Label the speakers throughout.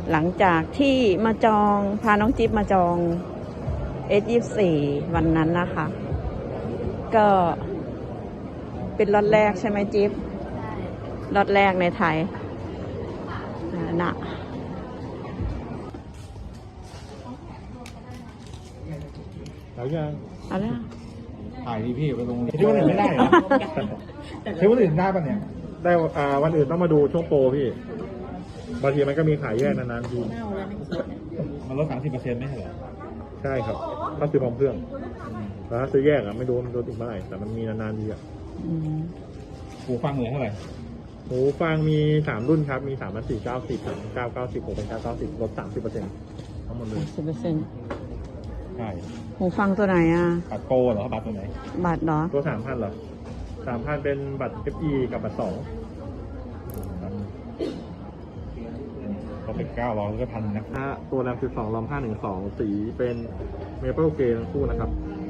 Speaker 1: หลังจากที่มาจองพาน้องจิ๊บมาจอง S24 วันนั้นนะคะ ก็เป็นล็อตแรกใช่ไหมจิ๊บล็อตแรกในไทยนะ
Speaker 2: แล้วยัง
Speaker 1: เอาละ
Speaker 2: ถ่ายดีพี่ไปลงที่วันอื่นไม่ได้เหรอที่วันอื่นได้ปะเนี่ยได้วันอื่นต้องมาดูช่วงโปรพี่บางทีมันก็มีขายแยกนานๆทีมันลด30%ไม่ใช่เหรอใช่ครับถ้าซื้อพร้อมเครื่องแต่ถ้าซื้อแยกอะไม่รู้มันลดอีกเมื่อไหร่แต่มันมีนานๆทีอะหูฟังเหลือเท่าไหร่หูฟังมี3รุ่นครับมี3 4 9 10 9 9 10 6 9 9 10ลด30%ทั้งหมดเลย
Speaker 1: 10%
Speaker 2: ใช่
Speaker 1: หูฟังตัวไหนอ่ะ
Speaker 2: บัตรโปรเหรอบัตรตัวไหน
Speaker 1: บัตรเหรอ
Speaker 2: ตัว3,000เหรอ3,000เป็นบัตร FE กับบัตร2ก็เป็น900ก็1,000นะตัวแรม12 ROM 512สีเป็น Maple Grey ทั้งคู่นะครับ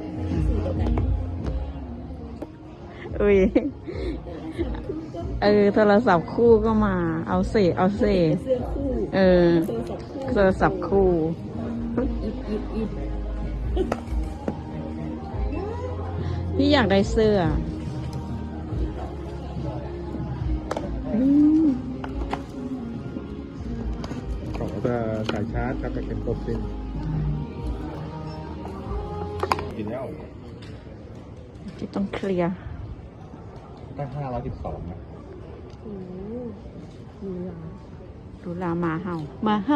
Speaker 1: โทรศัพท์คู่ก็มาเอาเสื้อคู่โทรศัพท์คู่พี่อยากได้เสื้อ
Speaker 2: ของจะสายชาร์จครับจะเป็นตัวซินกินแล้ว
Speaker 1: ที่ต้องเคลียร์
Speaker 2: ตั้ง512นะ
Speaker 1: ดูลามาเห่า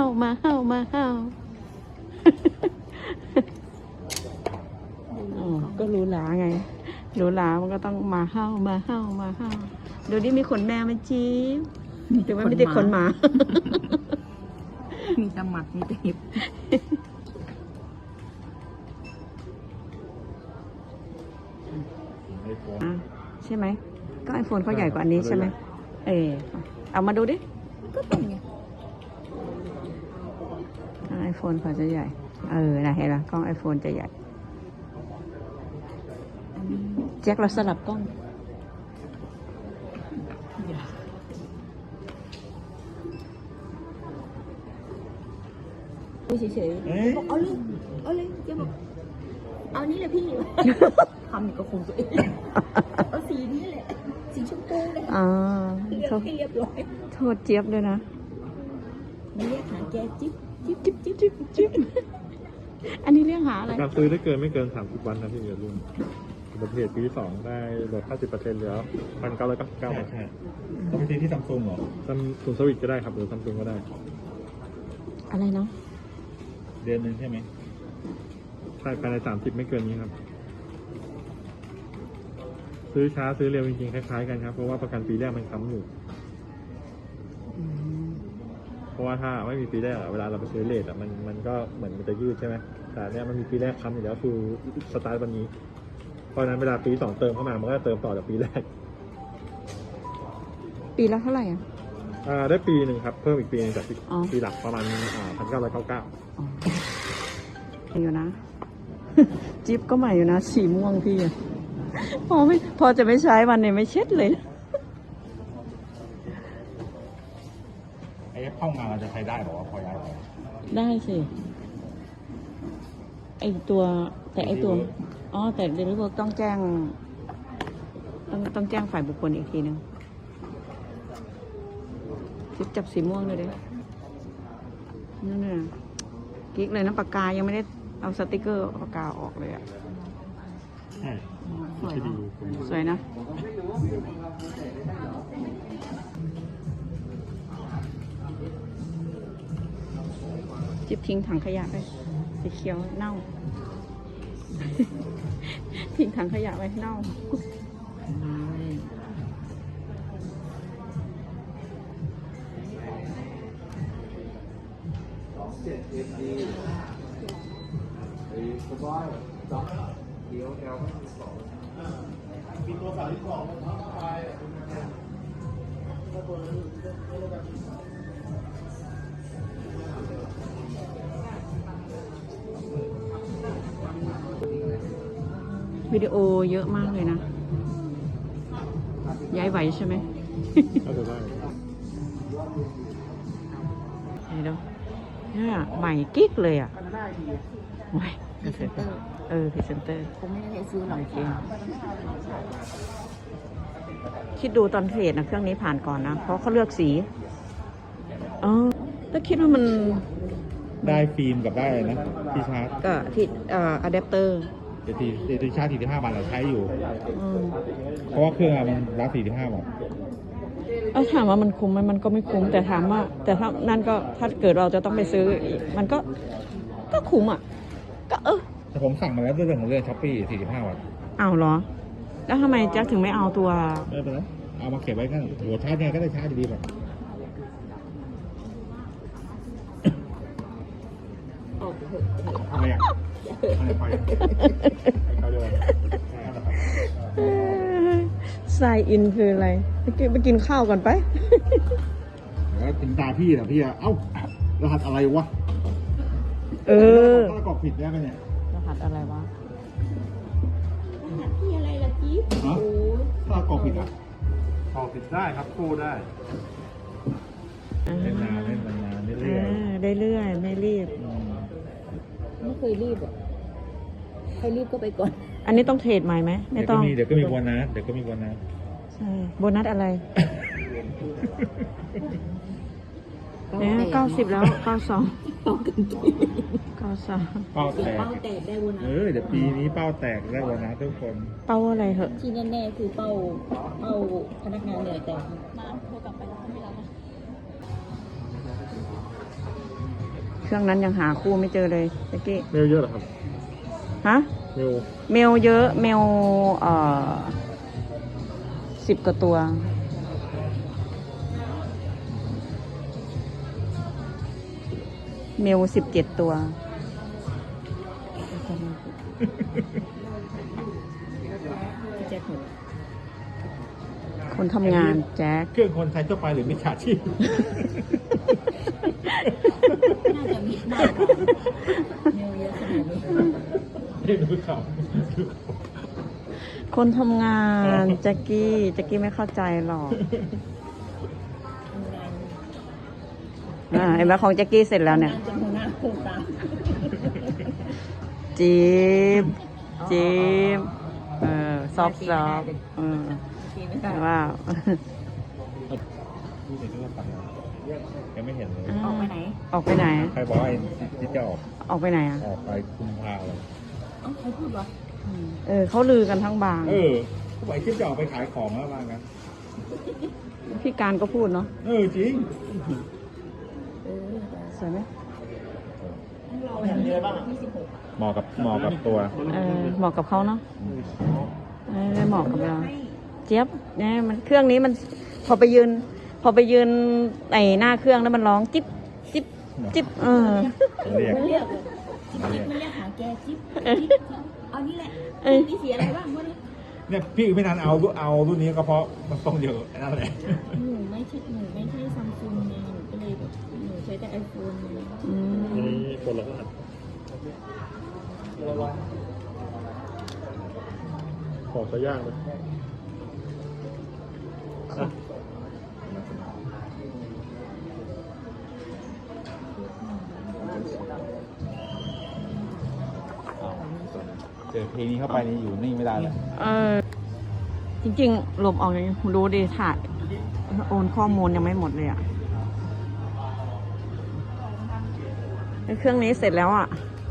Speaker 1: ก็รู้ลาไงรู้ลามันก็ต้องมาเห่าเดี๋ยวนี้มีขนแมวไหมจี๊บแต่ว่าไม่ได้ขนหมา
Speaker 3: มีแต่หมัดมีแต่หิบ
Speaker 1: ใช่ไหมก็ไอโฟนเขาใหญ่กว่าอันนี้ใช่ไหมเอามาดูดิ
Speaker 3: ก็เป็นไง
Speaker 1: ไอโฟนเขาจะใหญ่นะเห็นไหมกล้องไอโฟนจะใหญ่แจ็คเราสลับกล้อง
Speaker 3: เฉยๆบอกเอาเลยเจ๊บอกเอานี้แหละพี่ทำอีกก็คงตัวเองเอาสีนี้แหละสีชมพูเลยเลือกให้เรียบร้อย
Speaker 1: โทษเจี๊ยบด้วยนะ
Speaker 3: เรียกหาแกจิ๊บ
Speaker 1: อันนี้เรียกหาอะไร
Speaker 2: การซื้อได้ไม่เกิน30 วันนะพี่อย่าลืมประเภทปี2ได้ลด50%เหลือ1,999 บาทใช่ต้องไปซื้อที่ซัมซุงเหรอซัมซุงสวิตก็ได้ครับหรือซัมซุงก็ได้
Speaker 1: อะไรเนาะ
Speaker 2: เดือนนึงใช่ไหมใช่ภายใน30ไม่เกินนี้ครับซื้อช้าซื้อเร็วจริงๆคล้ายๆกันครับเพราะว่าประกันปีแรกมันค้ำอยู่เพราะว่าถ้าไม่มีปีแรกเวลาเราไปซื้อเลทมันก็เหมือนมันจะยืดใช่ไหมแต่เนี้ยมันมีปีแรกค้ำอยู่แล้วคือสตาร์ทวันนี้เพราะนั้นเวลาปี2เติมเข้ามามันก็เติมต่อจากปีแรก
Speaker 1: ปีละเท่าไหร่
Speaker 2: ได้ปีหนึ่งครับเพิ่มอีกปีนึงจากปีหลักประมาณ1,999
Speaker 1: อยู่นะจิ๊บก็ใหม่อยู่นะสีม่วงพี่พอจะไม่ใช้วันนี้ไม่เช็ดเลย
Speaker 2: ไอ้ห้องงานเราจะใช้ได้หรอพอย้ายไป
Speaker 1: ได้สิแต่แต่เดลิเวอร์ต้องแจ้งฝ่ายบุคคลอีกทีนึงจิ๊บจับสีม่วงเลยนั่นน่ะกิ๊กเลยนะปากกายังไม่ได้เอาสติกเกอร์ปากกาออกเลยอ่ะ
Speaker 2: ใช่
Speaker 1: สวยนะจิ๊บทิ้งถังขยะไปสีเขียวเน่าทิ้งถังขยะไว้เน่า
Speaker 2: มีตัว32ไป
Speaker 1: วิดีโอเยอะมากเลยนะย้ายไหวใช่ไหม
Speaker 2: ก็จะได้
Speaker 1: เดี๋ยวเนี่ยใหม่กิ๊กเลยอ่ะโอ้ย
Speaker 3: พรีเซนเตอร์
Speaker 1: พรีเซนเตอร์
Speaker 3: ผมไม่ได้ซื้อหรอก
Speaker 1: โอเคคิดดูตอนเทรดนะเครื่องนี้ผ่านก่อนนะ เพราะเขาเลือกสีถ้าคิดว่ามัน
Speaker 2: ได้ฟิล์มกับได้อะไรนะที่ชาร์จ
Speaker 1: ก็ที่อะแดปเตอร์
Speaker 2: ที่ชาร์จ45 บาทเราใช้อยู่ เพราะว่าเครื่องอะมันรับ45 บาท
Speaker 1: ถามว่ามันคุ้มไหมมันก็ไม่คุ้ม แต่ถามว่า แต่ถ้านั่นก็ถ้าเกิดเราจะต้องไปซื้ออีกมันก็คุ้มอ่ะ ก็
Speaker 2: แต่ผมสั่งมาแล้วด้วยเรื่องของเรื่องช้อปปี้45 บาท
Speaker 1: เอาเหรอ แล้วทำไมแจ็คถึงไม่เอาตัว
Speaker 2: ไม่เป็นไรเอามาเก็บไว้กันหัวชาร์จไงก็ได้ชาร์จดีๆแบบ
Speaker 3: ออกเถอะ
Speaker 2: ทำไมอ่ะไม่ไปเขาเดิน
Speaker 1: ไซอินคืออะไรไปกินข้าวก่อนไป
Speaker 2: แล้วถึงตาพี่นะพี่เอ้ารหัสอะไรวะถ้ากรอกผิดได้ไหมเนี่ย
Speaker 1: รหัสอะไรวะ
Speaker 3: รหัสที่อะไรล่ะจิ๊บ
Speaker 2: ฮะ
Speaker 3: โอ้ย
Speaker 2: ถ้ากรอกผิดอ่ะ
Speaker 4: พอผิดได้ครับกู้ได้
Speaker 2: เล่นนานเรื่อย
Speaker 1: ได้เรื่อยไม่รีบ
Speaker 3: ไม่เคยรีบอ่ะใครรีบก็ไปก่อน
Speaker 1: อันนี้ต้องเทรดใหม่ไหมไม่ต้อง
Speaker 2: เดี๋ยวก็มีโบนัส
Speaker 1: ใช่ โบนัสอะไรเนี่ย90 แล้ว 92
Speaker 3: เป้ากันกี่
Speaker 1: 92
Speaker 2: เป้าแตก
Speaker 3: เป้าแตกได้วันนะ
Speaker 2: เดี๋ยวปีนี้เป้าแตกได้โบนัสทุกคน
Speaker 1: เป้าอะไรเหอะ
Speaker 3: ที่แน่ๆคือเป้าพนักงานเหนื่อยแต่มาโทรกลับไปแล้วไม่รับ
Speaker 1: เครื่องนั้นยังหาคู่ไม่เจอเลยตะกี้
Speaker 2: เมลเยอะเหรอครับ
Speaker 1: ฮะ
Speaker 2: เมล
Speaker 1: เมลเยอะ เมล10 กว่าตัว เมล17 ตัว
Speaker 3: แจ็คหมด
Speaker 1: คนทำงานแจ็ค
Speaker 2: เครื่องคนใช้ทั่วไปหรือมิจฉาชีพ
Speaker 3: น่าจะมิดมากกว่าเมลเยอะขนาดนี้
Speaker 2: ไม่รู้เขา
Speaker 1: คนทำงานแจ็กกี้ไม่เข้าใจหรอก
Speaker 3: ทำงาน
Speaker 1: เห็นไหมของแจ็กกี้เสร็จแล้วเนี่ย
Speaker 3: ทำงานจนหัวหน้าโคตรตาม
Speaker 1: จี๊บซอบ
Speaker 3: ทีไม่ได้
Speaker 1: ว้าว
Speaker 2: พูดในเรื่องปัญหายังไม่เห็นเลย
Speaker 3: ออกไปไหน
Speaker 1: ออกไปไหน
Speaker 2: ใครบอกว่าไอ้ที่จะออก
Speaker 1: ออกไปไหนอ่ะ
Speaker 2: ออกไปคุมพาเลย
Speaker 3: เอ้าใครพูดวะ
Speaker 1: เขาลือกันทั้งบาง
Speaker 2: เขาบอกไอ้ที่จะออกไปขายของแล้วมากัน
Speaker 1: พี่การก็พูดเนาะ
Speaker 2: จริง
Speaker 1: สวยไหม
Speaker 2: เหมาะกับตัว
Speaker 1: เหมาะกับเขาเนาะไม่เหมาะกับเรา เจี๊ยบเนี่ยมันเครื่องนี้มันพอไปยืนไอหน้าเครื่องแล้วมันร้องจิ๊บจิ๊บจิ๊บ
Speaker 2: เรียก
Speaker 3: มันเรียกหาแกจิ๊บเอานี่แหละมีสีอะไรบ้างวะเนี่ย
Speaker 2: เนี่ยพี่ไม่นานเอารุ่นนี้ก็เพราะมันต้องเยอะนั่นแหละ
Speaker 3: หนูไม่ใช่ซัมซุงไงหนูก็เลยแบบหนูใช้แต่ไอโฟนไง
Speaker 2: นี่คนละอันของจะยากเลยเจอเพลงนี้เข้าไปนี่อยู่นิ่งไม่ได้เลย
Speaker 1: จริงๆหลบออกอย่างนี้รู้ดีถ่ายโอนข้อมูลยังไม่หมดเลยอ่ะเครื่องนี้เสร็จแล้วอ่ะ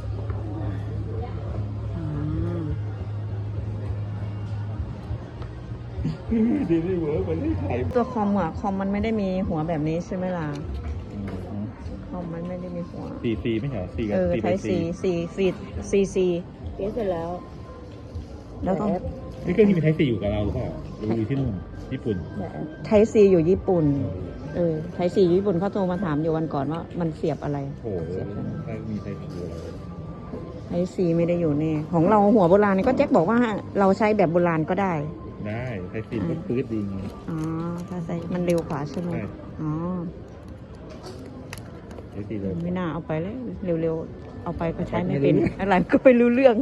Speaker 2: ดีที่เวิร์กมันไม่ถ่าย
Speaker 1: ตัวคอมอะคอมมันไม่ได้มีหัวแบบนี้ใช่ไหมล่ะคอมมันไม่ได้มีหัว
Speaker 2: 4C ไม่ใช่4กับ4
Speaker 1: ใช้
Speaker 2: เป็น
Speaker 1: C
Speaker 3: เกสเสร็จแล้ว
Speaker 1: แล้วก็
Speaker 2: นี่เครื่องที่มีไทป์ C อยู่กับเราหรือเปล่าหรืออยู่ที่นู่นญี่ปุ่น
Speaker 1: ไทย C อยู่ญี่ปุ่นไทย C อยู่ญี่ปุ่นเขาโทรมาถามอยู่วันก่อนว่ามันเสียบอะไร
Speaker 2: โอ้โหถ้ามีไทป์ C อยู่เรา
Speaker 1: ไทย C ไม่ได้อยู่นี่ของเราหัวโบราณนี่ก็แจ็คบอกว่าเราใช้แบบโบราณก็ได้
Speaker 2: ได้ไทป์ C มันปื๊ดดีไง
Speaker 1: อ๋อถ้าใส่มันเร็วกว่าใช่ไหม
Speaker 2: ใช่
Speaker 1: อ๋อ
Speaker 2: ไทป์ C เลย
Speaker 1: ไม่น่าเอาไปเลยเร็วๆเอาไปก็ใช้ไม่เป็นอะไรก็ไม่รู้เรื่อง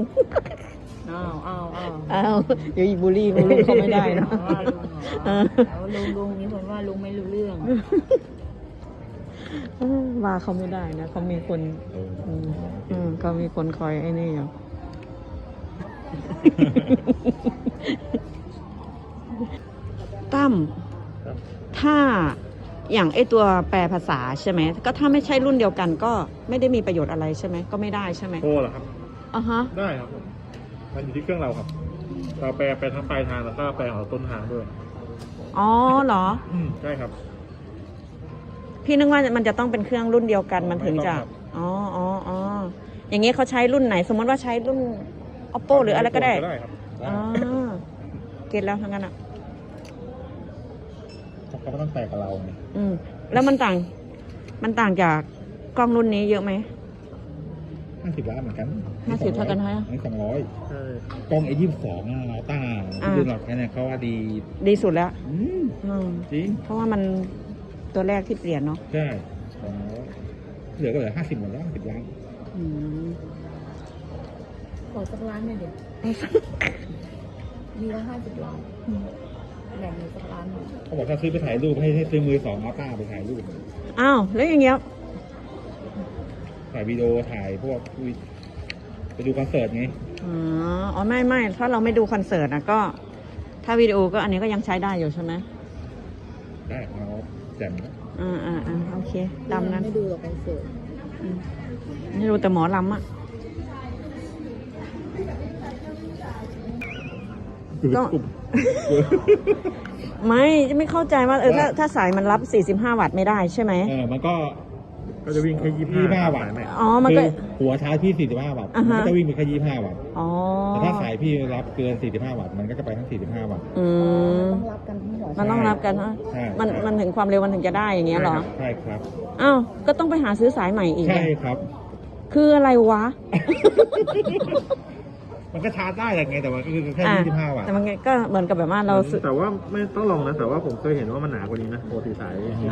Speaker 1: อ้าวเดี๋ยวอีบูลลี่ลุงเขาไม่ได้นะ
Speaker 3: ลุงนี่ผมว่าลุงไม่รู้เรื่อง
Speaker 1: ว่าเขาไม่ได้นะเขามีคนเขามีคนคอยไอ้นี่อยู่ ตั้ม
Speaker 2: ครับ
Speaker 1: ถ้าอย่างไอตัวแปลภาษาใช่ไหมก็ถ้าไม่ใช่รุ่นเดียวกันก็ไม่ได้มีประโยชน์อะไรใช่ไหมก็ไม่ได้ใช่ไหม
Speaker 2: โทรเหรอครับ
Speaker 1: อ่ะฮะ
Speaker 2: ได้ครับผมมันอยู่ที่เครื่องเราครับ เราแปลไปทั้งปลายทางแล้วก็แปลของต้นทางด้วย
Speaker 1: อ๋อเหรอ
Speaker 2: ใช่ครับ
Speaker 1: พี่นึกว่ามันจะต้องเป็นเครื่องรุ่นเดียวกันมันถึงจะ
Speaker 2: ไม่ต้องครับ
Speaker 1: อ๋ออย่างนี้เขาใช้รุ่นไหน สมมติว่าใช้รุ่น oppo หรืออะไรก็ได้
Speaker 2: ครับ
Speaker 1: อ๋อเก็ตแล้วทั้งนั้นอ่ะ
Speaker 2: เขาก็ต้องแปลกับเราไง
Speaker 1: แล้วมันต่างจากกล้องรุ่นนี้เยอะไหม
Speaker 2: 50 ล้านเหมือนกัน
Speaker 1: 50เท่ากันไหม
Speaker 2: อันนี้200กล้อง A22 เราต้าที่รุ่นเราใช้เนี่ยเขาว่าดี
Speaker 1: ดีสุดแล้ว
Speaker 2: จริง
Speaker 1: เพราะว่ามันตัวแรกที่เปลี่ยนเนาะ
Speaker 2: ใช่200เหลือก็เหลือ50หมดแล้ว50 ล้าน
Speaker 1: อืม
Speaker 3: ขอสักล้านหน่อยเดี๋ยวมีละ50 ล้านแบ่งหนูสักล้านหนึ่ง
Speaker 2: เขาบอกถ้าซื้อไปถ่ายรูปให้ซื้อมือ2เอาต้าไปถ่ายรูป
Speaker 1: อ้าวแล้วอย่างเงี้ย
Speaker 2: ถ่ายวิดีโอถ่ายพวกไปดูคอนเสิร์ตไง
Speaker 1: อ๋อไม่ถ้าเราไม่ดูคอนเสิร์ตนะก็ ถ้าวิดีโอก็อันนี้ก็ยังใช้ได้อยู่ใช่ไหม
Speaker 2: ได้เราแจ่มนะ
Speaker 1: โอเคตามนั้น
Speaker 3: ไม่ดูหรอกคอนเสิร์ต
Speaker 1: นี่ดูแต่หมอลำอ่ะ ก็ จะไม่เข้าใจว่าถ้าสายมันรับ 45 วัตต์ไม่ได้ใช่ไหม
Speaker 2: มันก็จะวิ่งแค่25 วัตต์
Speaker 1: อ๋อมันก็
Speaker 2: คือหัวชาร์จพี่45 วัตต์มันก็จะวิ่งไปแค่25 วัตต์
Speaker 1: อ๋อ
Speaker 2: แต่ถ้าสายพี่รับเกิน45 วัตต์มันก็จะไปทั้ง45 วัตต์
Speaker 3: ต้องรับกันทั้งหัว
Speaker 1: มันต้องรับกันฮะ
Speaker 2: ใช่
Speaker 1: มันถึงความเร็วมันถึงจะได้อย่างเงี้ยเหรอ
Speaker 2: ใช่ครับ
Speaker 1: อ้าวก็ต้องไปหาซื้อสายใหม่อีก
Speaker 2: ใช่ครับ
Speaker 1: คืออะไรวะ
Speaker 2: มันก็ชาร์จได้แหละไงแต่ว่าก็คือแค่25 วัตต์
Speaker 1: แต่มันก็เหมือนกับแบบว่าเราซื้อ
Speaker 2: แต่ว่าไม่ต้องลองนะแต่ว่าผมเคยเห็นว่ามันหนากว่านี้นะปกติสาย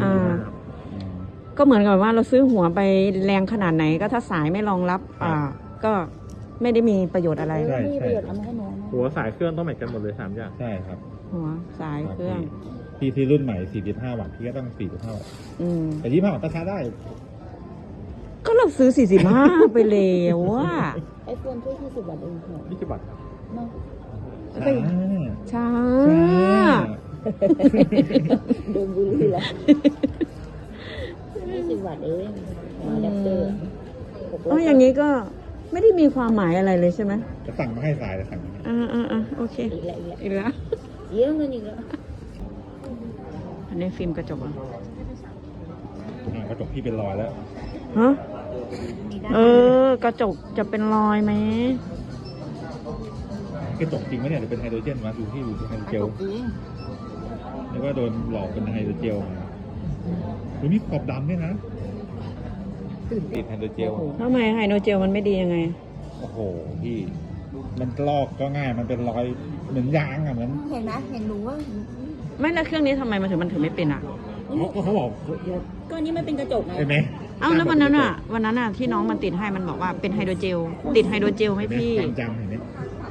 Speaker 1: ก็เหมือนกับว่าเราซื้อหัวไปแรงขนาดไหนก็ถ้าสายไม่รองรับ ก็ไม่ได้มีประโยชน์อะไร
Speaker 3: มีประโยชน์เอามาให้หนูนะ
Speaker 2: หัวสายเครื่องต้องแมทกันหมดเลย3อย่างใช่ครับ
Speaker 1: หัวสายเครื่อง
Speaker 2: พี่ซื้อรุ่นใหม่45 วัตต์พี่ก็ต้อง45 วัตต์ แต่25 วัตต์ก็ชาร์จได้
Speaker 1: ก็เราซื้อ 45 ไปแล้วว่า
Speaker 3: ไอโฟนแค่20 วัตต์เองเหรอ
Speaker 2: 20 วัตต์ครับ
Speaker 3: เนาะ
Speaker 1: ช้า
Speaker 3: โดนบูลลี่แล้ว20 วัตต์เองอะแดปเตอร์
Speaker 1: อย่างนี้ก็ไม่ได้มีความหมายอะไรเลยใช่ไหม
Speaker 2: จะสั่งมาให้สายจะสั่งมาให้
Speaker 1: โอเค
Speaker 3: อีกแล้ว
Speaker 1: อีกแล้ว
Speaker 3: เยอะเงินอีกแล้ว
Speaker 1: อันนี้ฟิล์มกระจกเหรอก
Speaker 2: ระจกพี่เป็นรอยแล้ว
Speaker 1: ฮะกระจกจะเป็นรอยไหม
Speaker 2: กระจกจริงไหมเนี่ยหรือเป็นไฮโดรเจนวะดูที่ดูที่ไฮโดรเจล
Speaker 3: จริง
Speaker 2: แล้วก็โดนหลอกเป็นไฮโดรเจลมามีขอบดำด้วยนะติดไฮโดรเจล
Speaker 1: ทำไมไฮโดรเจลมันไม่ดียังไง
Speaker 2: โอ้โหพี่มันลอกก็ง่ายมันเป็นรอยเหมือนยางอ่ะเหมือน
Speaker 3: เห็นไหมเห็นหนูว่า
Speaker 1: ไม่แล้วเครื่องนี้ทำไมมันถึงไม่เป็นอ่ะ
Speaker 2: เขาบอก
Speaker 3: ก็นี่มันเป็นกระจกไง
Speaker 2: เห็นไหม
Speaker 1: เอ้าแล้ววันนั้นอ่ะที่น้องมันติดให้มันบอกว่าเป็นไฮโดรเจล ติดไฮโดรเจลไหมพี่
Speaker 2: จำเห็นไหม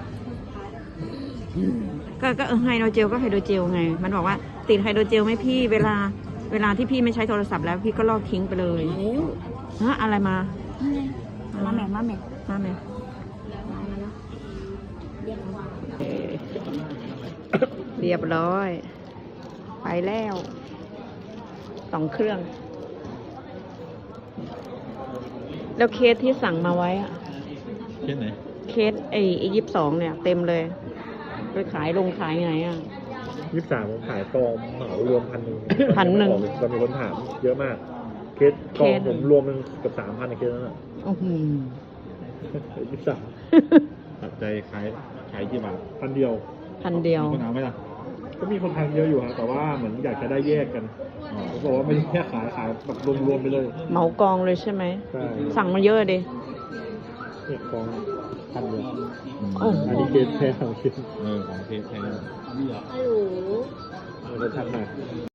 Speaker 1: ก็ไฮโดรเจลก็ไฮโดรเจลไง มันบอกว่าติดไฮโดรเจลไหมพี่ เวลาที่พี่ไม่ใช้โทรศัพท์แล้วพี่ก็ลอกทิ้งไปเลย
Speaker 3: มาแล้ว
Speaker 1: ฮะอะไรมา
Speaker 3: นี่ไงมาแม่
Speaker 1: มาไหม
Speaker 3: มาแล้วเรียกมา
Speaker 1: เรียบร้อย ไปแล้ว2 เครื่อง แล้วเคสที่สั่งมาไว้อะ
Speaker 2: เช่นไหน
Speaker 1: เคสไอ้22เนี่ย เต็มเลย ไปขายขายไงอ่ะ
Speaker 2: 23ผมขายกองเหมารวม1,000
Speaker 1: 1,000
Speaker 2: เรามีคนถามเยอะมากเคสกองผมรวมเป็นเกือบ3,000ในเคสนั้นอ่ะ 23ตัดใจขายกี่บาท1,000 เดียว
Speaker 1: 1,000 เดียว
Speaker 2: มีคนเอาไหมล่ะก็มีคนทานเยอะอยู่ฮะแต่ว่าเหมือนอยากจะได้แยกกันผมบอกว่าไม่ได้แค่ขายแบบรวมๆไปเลย
Speaker 1: เหมากองเลยใช่ไหม
Speaker 2: ใช่
Speaker 1: สั่งมาเยอะดิ
Speaker 2: เนี่ยกอง1,000 เดียว
Speaker 1: โอ้โห
Speaker 2: อันนี้เคสแท้ของเคสของเคสแท้
Speaker 3: ฮัลโหล
Speaker 2: เราจะทำหน่อย